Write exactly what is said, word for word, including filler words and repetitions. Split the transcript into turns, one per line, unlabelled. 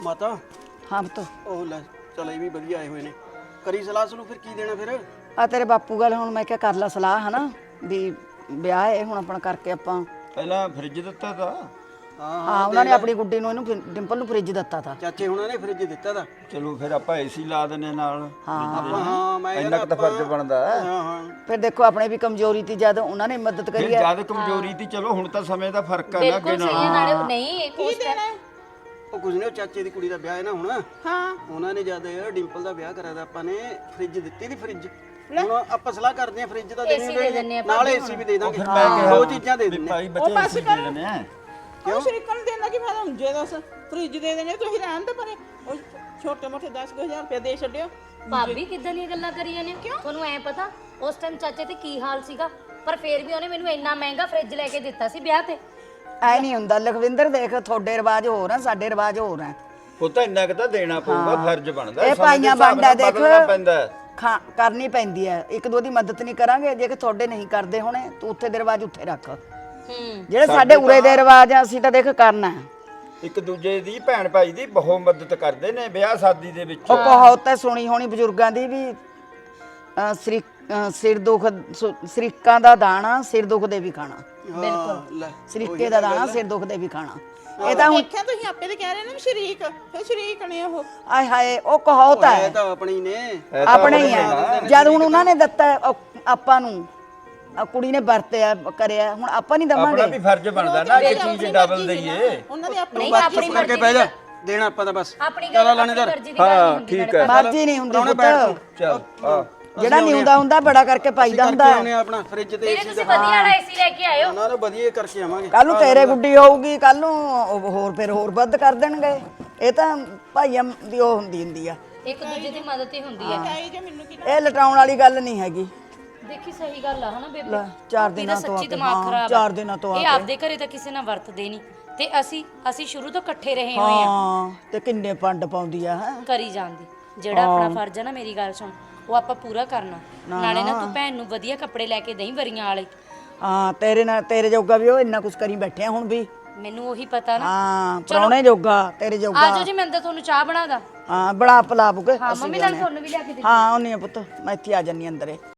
ਮਾਤਾ
ਹਾਂ ਪੁੱਤ
ਉਹ ਲੈ ਚਲ ਇਹ ਵੀ ਵਧੀਆ ਆਏ ਹੋਏ ਨੇ ਕਰੀ ਸਲਾਹ ਸੁਣੋ ਫਿਰ ਕੀ ਦੇਣਾ ਫਿਰ
ਆ ਤੇਰੇ ਬਾਪੂ ਗੱਲ ਹੁਣ ਮੈਂ ਕਿਹਾ ਕਰ ਲਾ ਸਲਾਹ ਹਨਾ ਵੀ ਵਿਆਹ ਹੈ ਹੁਣ ਆਪਣਾ ਕਰਕੇ ਆਪਾਂ
ਪਹਿਲਾਂ ਫ੍ਰਿਜ ਦਿੱਤਾ ਤਾਂ
ਹਾਂ
ਹਾਂ ਉਹਨਾਂ ਨੇ ਆਪਣੀ ਗੁੱਡੀ ਨੂੰ ਇਹਨੂੰ ਫਿ- ਡਿੰਪਲ ਨੂੰ ਫ੍ਰਿਜ ਦਿੱਤਾ ਤਾ
ਚਾਚੇ ਹੁਣਾਂ ਨੇ ਫ੍ਰਿਜ ਦਿੱਤਾ ਦਾ
ਚਲੋ ਫਿਰ ਆਪਾਂ ਏਸੀ ਲਾ ਦਿੰਨੇ ਨਾਲ
ਆਪਾਂ ਹਾਂ ਮੈਂ
ਇੰਨਾ ਕੁ ਤਾਂ ਫਰਜ਼ ਬਣਦਾ ਹੈ।
ਹਾਂ ਹਾਂ
ਫਿਰ ਦੇਖੋ ਆਪਣੇ ਵੀ ਕਮਜ਼ੋਰੀ ਤੀ ਜਦ ਉਹਨਾਂ ਨੇ ਮਦਦ
ਫਿਰ
ਕਰੀ ਹੈ
ਜਦ ਕਮਜ਼ੋਰੀ ਦੀ ਚਲੋ ਹੁਣ ਤਾਂ ਸਮੇਂ ਦਾ ਫਰਕ ਹੈ ਨਾ ਅੱਗੇ
ਬਿਲਕੁਲ ਸਹੀ
ਨਾਲ
ਹੈ ਨਾਲੇ ਉਹ ਨਹੀਂ ਉਸ ਟਾਈਮ
ਉਹ ਕੁਝ ਨਹੀਂ ਉਹ ਚਾਚੇ ਦੀ ਕੁੜੀ ਦਾ ਵਿਆਹ ਹੈ ਨਾ ਹੁਣ
ਹਾਂ
ਉਹਨਾਂ ਨੇ ਜਦ ਡਿੰਪਲ ਦਾ ਵਿਆਹ ਕਰਾਇਆ ਤਾਂ ਆਪਾਂ ਨੇ ਫ੍ਰਿਜ ਦਿੱਤੀ ਦੀ ਫ੍ਰਿਜ ਹੁਣ ਆਪਾਂ ਸਲਾਹ ਕਰਦੇ ਆ ਫ੍ਰਿਜ ਤਾਂ
AC ਦੇ ਦਿੰਦੇ ਆ
ਨਾਲ ਏਸੀ ਵੀ ਦੇ ਦਾਂਗੇ
ਫਿਰ ਮੈਂ ਕਿਹਾ
ਦੋ ਚੀਜ਼ਾਂ ਦੇ
ਵੀ
ਦਿੰਦੇ
ਭਾਈ
ਉਹ
ਬੱਚੇ
ਬਸ
ਏਸੀ ਦੇ
ਕਰ।
ਦਿੰਨੇ ਆ
ਉਹ ਸ਼ਰੀਕਣ ਦੇਣਾ ਕੀ ਫਾਇਦਾ ਹੁਣ ਜੇ ਦੱਸ ਫ੍ਰਿਜ ਦੇ ਦੇਣੇ ਤੁਸੀਂ ਰਹਿਣ ਤੇ ਪਰੇ ਉਹ ਛੋਟੇ ਮੋਟੇ ਦਸ ਹਜ਼ਾਰ ਰੁਪਏ ਦੇ ਛੱਡਿਓ
ਭਾਬੀ ਕਿੱਦਾਂ ਦੀਆਂ ਗੱਲਾਂ ਕਰੀਆਂ ਨੇ ਤੁਹਾਨੂੰ ਐ ਪਤਾ ਉਸ ਟਾਈਮ ਚਾਚੇ ਤੇ ਕੀ ਹਾਲ ਸੀਗਾ ਪਰ ਫੇਰ ਵੀ ਉਹਨੇ ਮੈਨੂੰ ਇੰਨਾ ਮਹਿੰਗਾ ਫ੍ਰਿਜ ਲੈ ਕੇ ਦਿੱਤਾ ਸੀ ਵਿਆਹ ਤੇ
ਐ ਨਹੀਂ ਹੁੰਦਾ ਲਖਵਿੰਦਰ ਦੇਖ ਤੁਹਾਡੇ ਰਿਵਾਜ ਹੋਰ ਆ ਸਾਡੇ ਰਿਵਾਜ ਹੋਰ ਆ
ਉਹ ਤਾਂ ਇੰਨਾ ਕੁ ਤਾਂ ਦੇਣਾ ਪਊਗਾ ਫਰਜ਼ ਬਣਦਾ
ਇਹ
ਸਮੇਂ ਦੇ
ਭਾਈਆਂ
ਹਿਸਾਬ
ਵੰਡ ਹੈ
ਨਾਲ
ਦੇਖ
ਬਦਲਣਾ ਪੈਂਦਾ ਹੈ।
ਖਾ ਕਰਨੀ ਪੈਂਦੀ ਹੈ ਇੱਕ ਦੋ ਦੀ ਮਦਦ ਨਹੀਂ ਕਰਾਂਗੇ ਜੇ ਕਿ ਤੁਹਾਡੇ ਨਹੀਂ ਕਰਦੇ ਹੋਣੇ ਤੂੰ ਉੱਥੇ ਦੇ ਰਿਵਾਜ ਉੱਥੇ ਰੱਖ
ਹੂੰ
ਜਿਹੜੇ ਸਾਡੇ ਉਰੇ ਦੇ ਰਿਵਾਜ ਆ ਅਸੀਂ ਤਾਂ ਦੇਖ ਕਰਨਾ ਹੈ।
ਇੱਕ ਦੂਜੇ ਦੀ ਭੈਣ ਭਾਈ ਦੀ ਬਹੁਤ ਮਦਦ ਕਰਦੇ ਨੇ ਵਿਆਹ ਸ਼ਾਦੀ ਦੇ ਵਿੱਚ
ਉਹ ਕਹਾਵਤ ਹੈ ਸੁਣੀ ਹੋਣੀ ਬਜ਼ੁਰਗਾਂ ਦੀ ਵੀ ਅਹ, ਸਰੀ ਅਹ, ਸਿਰ ਦੁਖ ਸੁ- ਸਰੀਕਾਂ ਦਾ ਦਾਣਾ ਸਿਰ ਦੁਖ ਦੇ ਵੀ ਖਾਣਾ
ਬਿਲਕੁਲ ਲੈ
ਸਰੀਕੇ ਦਾ ਦਾਣਾ ਸਿਰ ਦੁਖ ਦੇ ਵੀ ਖਾਣਾ ਇਹ ਤਾਂ ਹੁਣ
ਦੇਖਿਆ ਤੁਸੀਂ ਆਪੇ ਤੇ ਕਹਿ ਰਹੇ ਨੇ ਵੀ ਸ਼ਰੀਕ ਫਿਰ ਸ਼ਰੀਕ ਨੇ ਉਹ
ਆਏ ਹਾਏ ਉਹ ਕਹਾਵਤ
ਇਹ
ਹੈ
ਤਾਂ ਆਪਣੀ ਨੇ
ਇਹ ਤਾਂ
ਆਪਣੇ ਹੀ ਹੈ ਜਦ ਹੁਣ ਉਹਨਾਂ ਨੇ ਦਿੱਤਾ ਹੈ, ਉਹ ਆਪਾਂ ਨੂੰ ਆਹ ਕੁੜੀ ਨੇ ਵਰਤਿਆ ਕਰਿਆ ਹੁਣ ਆਪਾਂ ਨਹੀਂ
ਆਪਣਾ
ਦਵਾਂਗੇ
ਵੀ ਫਰਜ਼ ਬਣਦਾ ਨਾ ਕਿ ਚੀਜ਼ ਡਬਲ ਦਈਏ
ਉਹਨਾਂ ਦੀ ਆਪਣੀ
ਨਹੀਂ ਆਪਣੀ
ਕਰਕੇ
ਮਰਜ਼ੀ
ਬਹਿ ਜਾ ਦੇਣਾ ਆਪਾਂ ਤਾਂ ਬਸ
ਆਪਣੀ
ਚਲੋ
ਗੱਲ
ਲਾਣੇਦਾਰ
ਮਰਜ਼ੀ ਦੀ ਗੱਲ ਨਹੀਂ ਹੁੰਦੀ
ਠੀਕ ਹੈ
ਮਰਜ਼ੀ ਨਹੀਂ ਹੁੰਦੀ
ਪ੍ਰਾਹੁਣੇ
ਪੁੱਤ
ਬੈਠ ਤੂੰ
ਚਲ ਆ
ਜਿਹੜਾ ਨਹੀਂ ਹੁੰਦਾ ਹੁੰਦਾ ਬੜਾ ਕਰਕੇ ਪਾਈਦਾ ਹੁੰਦਾ
ਕਰਕੇ ਆਉਣੇ ਆਪਣਾ ਫ੍ਰਿਜ ਤੇ
ਵੀਰੇ
ਏਸੀ
ਤੁਸੀਂ ਵਧੀਆ ਵਾਲਾ ਏਸੀ ਲੈ ਕੇ ਆਇਓ
ਉਹਨਾਂ ਨੂੰ ਵਧੀਆ ਕਰਕੇ ਆਵਾਂਗੇ
ਕੱਲ ਨੂੰ ਤੇਰੇ ਗੁੱਡੀ ਹੋਊਗੀ ਕੱਲ ਨੂੰ ਉਹ ਹੋਰ ਫਿਰ ਹੋਰ ਵੱਧ ਕਰ ਦੇਣਗੇ ਇਹ ਤਾਂ ਭਾਈਆਂ ਦੀ ਉਹ ਹੁੰਦੀ ਹੁੰਦੀ ਆ
ਇੱਕ ਦੂਜੇ ਦੀ ਮਦਦ ਹੀ ਹੁੰਦੀ ਹੈ
ਚਾਹੀ ਜੇ ਮੈਨੂੰ ਕੀ
ਇਹ ਲਟਾਉਣ ਵਾਲੀ ਗੱਲ ਨਹੀਂ ਹੈਗੀ
ਦੇਖੀ ਸਹੀ ਗੱਲ ਆ ਹਨਾ ਬੇਬੇ
ਲੈ, ਚਾਰ
ਇਹਦਾ
ਦਿਨਾਂ ਤੋਂ ਆ
ਸੱਚੀ
ਕੇ,
ਦਿਮਾਗ
ਹਾਂ,
ਖਰਾਬ ਆ।
ਚਾਰ ਦਿਨਾਂ ਤੋਂ ਆ
ਇਹ
ਕੇ।
ਆਪਦੇ ਘਰੇ ਤਾਂ ਕਿਸੇ ਨਾਲ ਵਰਤਦੇ ਨਹੀਂ ਤੇ ਅਸੀਂ ਅਸੀਂ ਸ਼ੁਰੂ ਤੋਂ ਇਕੱਠੇ ਰਹੇ ਹੋਏ ਆ
ਹਾਂ ਤੇ ਕਿੰਨੇ ਪੰਡ ਪਾਉਂਦੀ ਆ ਹੈ
ਕਰੀ ਜਾਂਦੀ ਜਿਹੜਾ ਆਪਣਾ ਫਰਜ਼ ਆ ਨਾ ਮੇਰੀ ਗੱਲ ਸੁਣ ਉਹ ਆਪਾਂ ਪੂਰਾ ਕਰਨਾ ਨਾਲੇ ਨਾ ਤੂੰ ਭੈਣ ਨੂੰ ਵਧੀਆ ਕੱਪੜੇ ਲੈ ਕੇ ਦੇਈਂ ਵਰੀਆਂ ਵਾਲੇ
ਹਾਂ ਤੇਰੇ ਨਾਲ ਤੇਰੇ ਜੋਗਾ ਵੀ ਉਹ ਇੰਨਾ ਕੁਝ ਕਰੀ ਬੈਠੇ ਆ ਹੁਣ ਵੀ
ਮੈਨੂੰ ਉਹੀ ਪਤਾ ਨਾ
ਹਾਂ ਪ੍ਰਾਹੁਣੇ ਜੋਗਾ ਤੇਰੇ ਜੋਗਾ
ਆਜੋ ਜੀ ਮੈਂ ਤਾਂ ਤੁਹਾਨੂੰ ਚਾਹ ਬਣਾਦਾ
ਹਾਂ ਬੜਾ ਪਲਾਪੂਗੇ
ਹਾਂ ਮੰਮੀ ਨਾਲ ਤੁਹਾਨੂੰ ਵੀ ਲਿਆ ਕੇ ਦੇ
ਹਾਂ ਉਹਨੇ ਪੁੱਤ ਮੈਂ ਇੱਥੇ ਆ ਜੰਨੀ ਅੰਦਰੇ